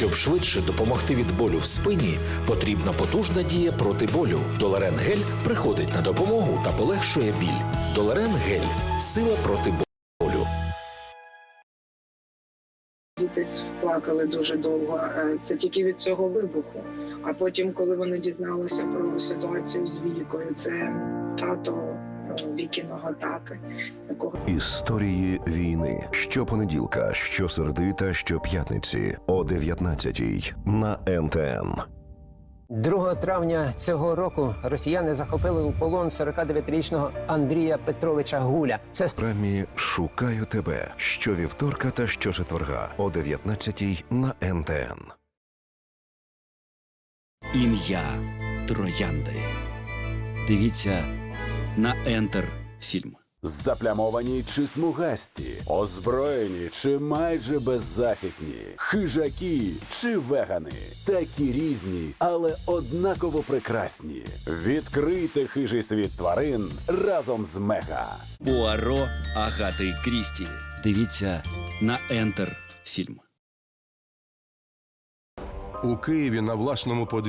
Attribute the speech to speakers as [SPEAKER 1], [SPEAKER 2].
[SPEAKER 1] Щоб швидше допомогти від болю в спині, потрібна потужна дія проти болю. Доларен Гель приходить на допомогу та полегшує біль. Доларен Гель – сила проти болю.
[SPEAKER 2] Діти плакали дуже довго. Це тільки від цього вибуху. А потім, коли вони дізналися про ситуацію з Вікою, це тато Вікіного тати, якого
[SPEAKER 3] Історії війни. Щопонеділка, щосереди та щоп'ятниці о 19-й на НТН.
[SPEAKER 4] 2 травня цього року росіяни захопили у полон 49-річного Андрія Петровича Гуля. Це
[SPEAKER 3] Програмі «Шукаю тебе» щовівторка та щочетверга о 19-й на НТН.
[SPEAKER 5] Ім'я Троянди. Дивіться на Ентер фільм.
[SPEAKER 6] Заплямовані чи смугасті, озброєні чи майже беззахисні, хижаки чи вегани. Такі різні, але однаково прекрасні. Відкрийте хижий світ тварин разом з Мега.
[SPEAKER 5] Пуаро Агати Крісті. Дивіться на Ентер фільм.
[SPEAKER 7] У Києві на власному